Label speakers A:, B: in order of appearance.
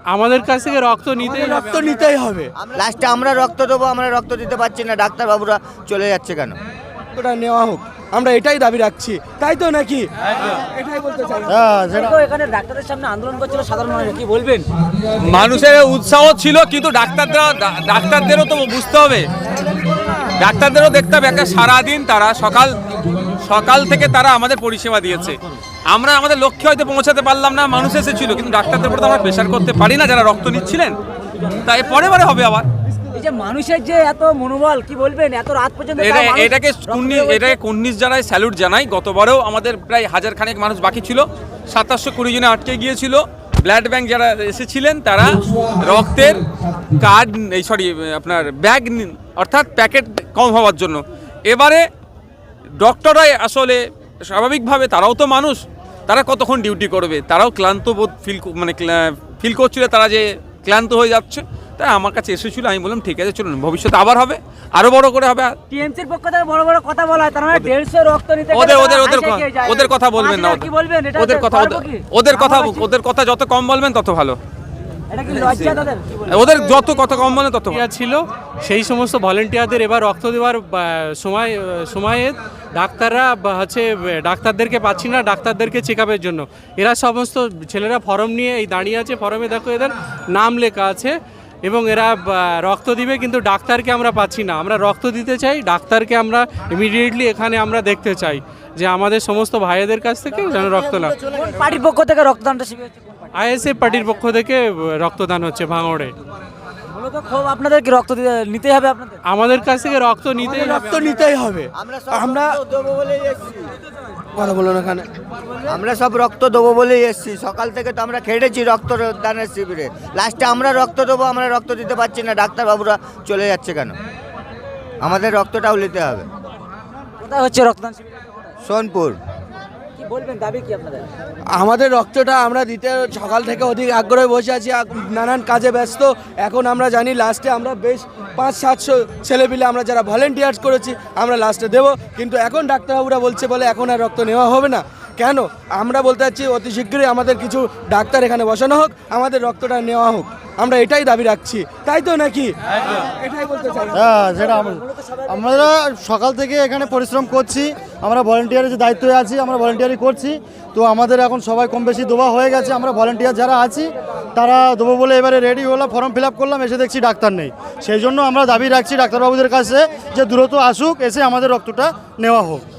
A: আমাদের কাছ থেকে রক্ত নিতেই হবে।
B: লাস্টে আমরা রক্ত দেবো, আমরা রক্ত দিতে পারছি না, ডাক্তারবাবুরা চলে যাচ্ছে কেন?
C: ওটা নেওয়া হোক, আমরা এটাই দাবি রাখছি, তাই তো নাকি? এটাই বলতে চাই।
D: এখানে ডাক্তারের সামনে আন্দোলন করছিল সাধারণ মানুষ, কি বলবেন?
E: মানুষের উৎসাহ ছিল, কিন্তু ডাক্তারদেরও তো বুঝতে হবে, ডাক্তারদেরও দেখতে হবে একটা সারাদিন তারা সকাল থেকে তারা আমাদের পরিষেবা দিয়েছে। আমরা আমাদের লক্ষ্যে হয়তো পৌঁছাতে পারলাম না, মানুষ এসেছিল, কিন্তু ডাক্তারদের উপর তো আমরা প্রেশার করতে পারি না যারা রক্ত নিচ্ছিলেন। তাই পরে হবে আবার।
D: এই যে মানুষের যে এত মনোবল, কি বলবেন? এত রাত পর্যন্ত
E: এটাকে কুন্নিশ জানাই, স্যালুট জানাই। গতবারেও আমাদের প্রায় 1000 খানেক মানুষ বাকি ছিল, 2720 জনে আটকে গিয়েছিল। ব্লাড ব্যাংক যারা এসেছিলেন তারা রক্তের কার্ড আপনার ব্যাগ অর্থাৎ প্যাকেট কম হওয়ার জন্য। এবারে ডক্টররাই আসলে স্বাভাবিকভাবে তারাও তো মানুষ, তারা কতক্ষণ ডিউটি করবে, তারাও ক্লান্ত বোধ ফিল করছিল, তারা যে ক্লান্ত হয়ে যাচ্ছে। তাই আমার কাছে এসেছিল, আমি বললাম ঠিক আছে চলুন, ভবিষ্যতে আবার হবে, আরো বড় করে হবে।
D: টিএমসির পক্ষ থেকে বড় বড় কথা বলা হয়, তার মানে 150 রক্ত নিতে
E: ওদের কথা বলবেন না,
D: কি বলবেন? এটা
E: ওদের কথা যত কম বলবেন তত ভালো।
D: এটা কি লজ্জা তাদের?
E: ওদের যত কথা কম বলেন তত ভালো।
A: ছিল সেই সমস্ত ভলেন্টিয়ারদের এবার রক্ত দেওয়ার সময়ে ডাক্তাররা ডাক্তারদেরকে পাচ্ছি না, ডাক্তারদেরকে চেক আপের জন্য এরা সমস্ত ছেলেরা ফর্ম নিয়ে এই দাঁড়িয়ে আছে। ফর্মে দেখো এদের নাম লেখা আছে এবং এরা রক্ত দিবে, কিন্তু ডাক্তারকে আমরা পাচ্ছি না। আমরা রক্ত দিতে চাই, ডাক্তারকে আমরা ইমিডিয়েটলি এখানে আমরা দেখতে চাই যে আমাদের সমস্ত ভাইদের কাছ থেকে যেন রক্ত না।
D: পার্টির পক্ষ থেকে রক্তদানটা শিবির হচ্ছে?
A: আইএসএফ পার্টির পক্ষ থেকে রক্তদান হচ্ছে ভাঙড়ে।
D: মূলত খুব আপনাদের কি রক্ত নিতে হবে? আপনাদের
A: আমাদের কাছ থেকে রক্ত
C: নিতেই হবে। আমরা
B: দেবো বলেই এসছি,
C: কথা বলুন এখানে।
B: আমরা সব রক্ত দেবো বলেই এসছি। সকাল থেকে তো আমরা খেটেছি রক্তদানের শিবিরে। লাস্টে আমরা রক্ত দেবো, আমরা রক্ত দিতে পারছি না, ডাক্তারবাবুরা চলে যাচ্ছে কেন? আমাদের রক্তটাও নিতে হবে।
D: কোথায় হচ্ছে রক্তদান শিবির?
B: সোনপুর।
D: কি বলবেন, দাবি কি আপনাদের?
C: আমাদের রক্তটা আমরা দিতে সকাল থেকে অধিক আগ্রহে বসে আছি, নানান কাজে ব্যস্ত। এখন আমরা জানি লাস্টে আমরা বেশ 500-700 ছেলেপিলে আমরা যারা ভলেন্টিয়ার্স করেছি আমরা লাস্টে দেবো, কিন্তু এখন ডাক্তারবাবুরা বলছে বলে এখন আর রক্ত নেওয়া হবে না। কেন? আমরা বলতে চাচ্ছি অতি শীঘ্রই আমাদের কিছু ডাক্তার এখানে বসানো হোক, আমাদের রক্তটা নেওয়া হোক, আমরা এটাই দাবি রাখছি, তাই তো নাকি? এটাই বলতে চাই।
F: যেটা আমরা সকাল থেকে এখানে পরিশ্রম করছি, আমরা ভলেন্টিয়ারের যে দায়িত্বে আছি আমরা ভলেন্টিয়ারই করছি। তো আমাদের এখন সবাই কম বেশি দেওয়া হয়ে গেছে। আমরা ভলেন্টিয়ার যারা আছি তারা দেবো বলে এবারে রেডি হলাম, ফর্ম ফিল আপ করলাম, এসে দেখছি ডাক্তার নেই। সেই জন্য আমরা দাবি রাখছি ডাক্তারবাবুদের কাছে যে দ্রুত আসুক, এসে আমাদের রক্তটা নেওয়া হোক।